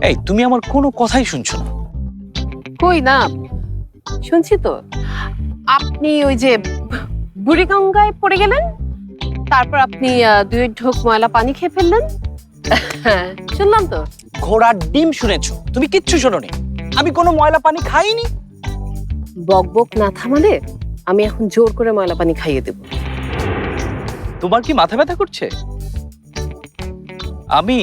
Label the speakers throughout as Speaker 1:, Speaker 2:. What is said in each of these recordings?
Speaker 1: এই তুমি আমার কোনো কথাই শুনছো না।
Speaker 2: কই না, শুনছি তো। আপনি ওই যে বুড়িগঙ্গায় পড়ে গেলেন, তারপর আপনি 2 ঢোক ময়লা পানি খেয়ে ফেললেন। শুনলাম তো।
Speaker 1: ঘোড়ার ডিম শুনেছো, তুমি কিচ্ছু শোনোনি। আমি কোনো ময়লা পানি খাইনি।
Speaker 2: বক বক না থামালে আমি এখন জোর করে ময়লা পানি খাইয়ে দেব।
Speaker 1: তোমার কি মাথা ব্যথা করছে? আমি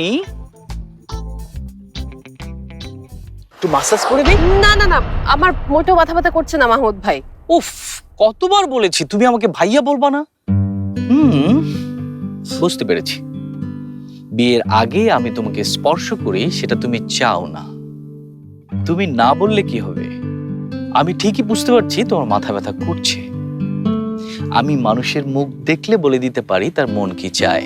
Speaker 1: একটু মাসাজ করে দিই।
Speaker 2: না না না, আমার মোটেও মাথা ব্যথা করছে না মাহমুদ ভাই।
Speaker 1: উফ, কতবার বলেছি তুমি আমাকে ভাইয়া বলবা না। বুঝতে পেরেছি, বিয়ের আগে আমি তোমাকে স্পর্শ করি সেটা তুমি চাও না। তুমি না বললে কি হবে? আমি ঠিকই বুঝতে পারছি তোমার মাথা ব্যথা করছে। আমি মানুষের মুখ দেখলে বলে দিতে পারি তার মন কি চায়।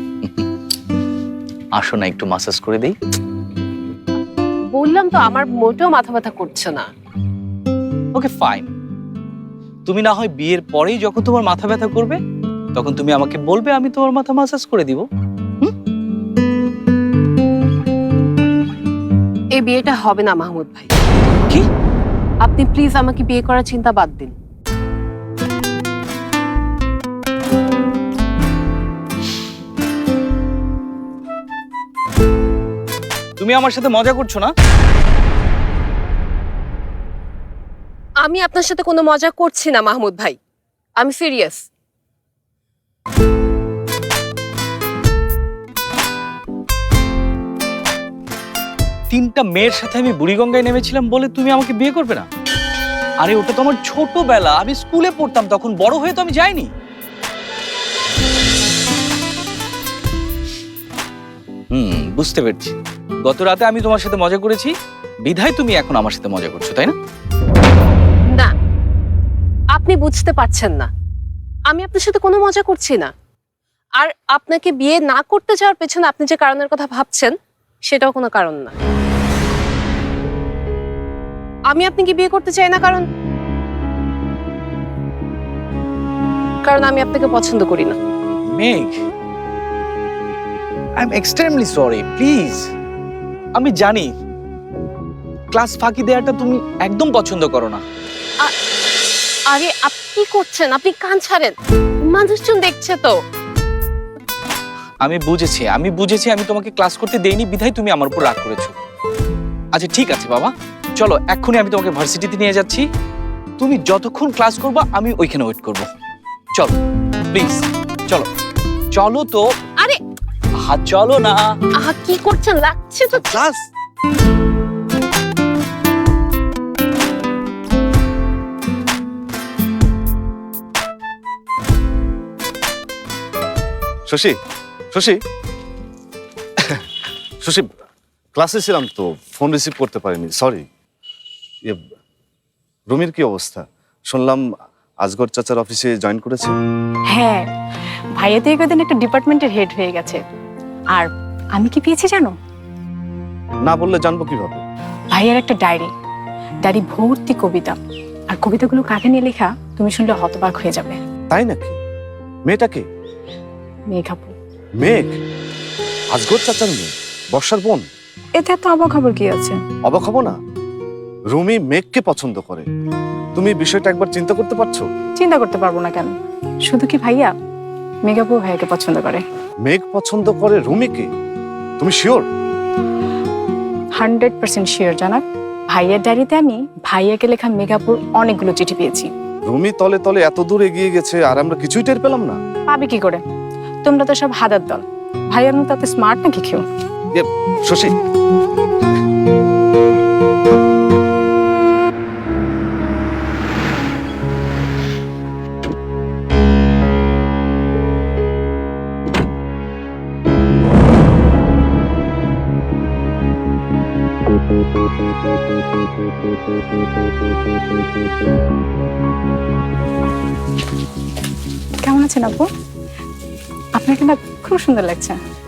Speaker 1: আসো না, একটু মাসাজ করে দেই।
Speaker 2: বললাম তো আমার মোটেও মাথা ব্যথা করছে না।
Speaker 1: ওকে ফাইন, তুমি না হয় বিয়ের পরেই যখন তোমার মাথা ব্যথা করবে তখন তুমি আমাকে বলবে, আমি তোমার মাথা মাসাজ করে দিব।
Speaker 2: এই বিয়েটা হবে না মাহমুদ ভাই।
Speaker 1: কি?
Speaker 2: আপনি প্লিজ আমাকে বিয়ে করার চিন্তা বাদ দিন।
Speaker 1: তুমি আমার সাথে মজা করছো না?
Speaker 2: আমি আপনার সাথে কোনো মজা করছি না মাহমুদ ভাই, আমি সিরিয়াস।
Speaker 1: তিনটা মেয়ের সাথে আমি বুড়িগঙ্গায় নেমেছিলাম বলে তুমি আমাকে বিয়ে করবে না? আরে ওটা তো আমার ছোটবেলা, আমি স্কুলে পড়তাম তখন, বড় হয়ে তো আমি যাইনি। বুঝতে পেরেছি, গত রাতে আমি তোমার সাথে মজা করেছি বিধায় তুমি এখন আমার সাথে মজা করছো, তাই না?
Speaker 2: না, আপনি বুঝতে পারছেন না, আমি আপনার সাথে কোনো মজা করছি না। আর আপনাকে বিয়ে না করতে যাওয়ার পেছনে আপনি যে কারণের কথা ভাবছেন সেটাও কোনো কারণ না। আমি আপনাকে বিয়ে করতে চাই না কারণ আমি আপনাকে পছন্দ করি না।
Speaker 1: Megh, I am extremely sorry, please. আমি জানি ক্লাস ফাঁকি দেওয়াটা তুমি একদম পছন্দ করো না।
Speaker 2: আরে আপনি কি করছেন? আপনি কান ছাড়েন, মানুষজন দেখছে তো।
Speaker 1: আমি বুঝেছি আমি তোমাকে ক্লাস করতে দেইনি বিধায় তুমি আমার উপর রাগ করেছো। আচ্ছা ঠিক আছে বাবা, চলো এক্ষুনি আমি তোমাকে ভার্সিটিতে নিয়ে যাচ্ছি। তুমি যতক্ষণ ক্লাস করবা আমি ওইখানে ওয়েট করব। চলো প্লিজ, চলো চলো তো।
Speaker 2: আরে
Speaker 1: চলো না।
Speaker 2: কি করছেন? লাগছে তো
Speaker 1: ক্লাস।
Speaker 3: শশী, শশী, শশী, ক্লাসে ছিলাম তো, ফোন রিসিভ করতে পারিনি, সরি। রুমির কি অবস্থা? শুনলাম আজগর চাচার অফিসে জয়েন করেছে।
Speaker 4: হ্যাঁ, ভাইয়া তো একদিন একটা ডিপার্টমেন্টের হেড হয়ে গেছে। আর আমি কি পেয়েছি জানো?
Speaker 3: না বললে জানবো কিভাবে?
Speaker 4: ভাইয়ার একটা ডায়েরি ভর্তি কবিতা। আর কবিতাগুলো কাকে নিয়ে লেখা তুমি শুনলে হতবাক হয়ে যাবে।
Speaker 3: তাই নাকি? মেয়েটাকে?
Speaker 4: মেঘাপু।
Speaker 3: মেঘ? আজগর চাচার মেয়ে? বর্ষার বোন?
Speaker 4: এতে এত অবাক খবর কি আছে?
Speaker 3: অবাক হবো না। রুমি মেঘকে পছন্দ করে। তুমি বিষয়টা একবার চিন্তা করতে পারছো?
Speaker 4: চিন্তা করতে পারবো না কেন? শুধু কি ভাইয়া, মেঘাপু ভাইয়াকে পছন্দ করে।
Speaker 3: মেঘ পছন্দ করে রুমিকে? তুমি শিওর?
Speaker 4: 100% শিওর জানাক। ভাইয়ার ডায়েরিতে আমি ভাইয়াকে লেখা মেঘাপুর অনেকগুলো চিঠি পেয়েছি।
Speaker 3: রুমি তলে তলে এত দূর এগিয়ে গেছে আর আমরা কিছুই টের পেলাম না।
Speaker 4: পাবে কি করে? তোমরা তো সব হাদার দল। ভাইয়ার মতো এত স্মার্ট নাকি কেউ?
Speaker 3: শশী,
Speaker 4: কেমন আছেন আপু? আপনাকে না খুব সুন্দর লাগছে।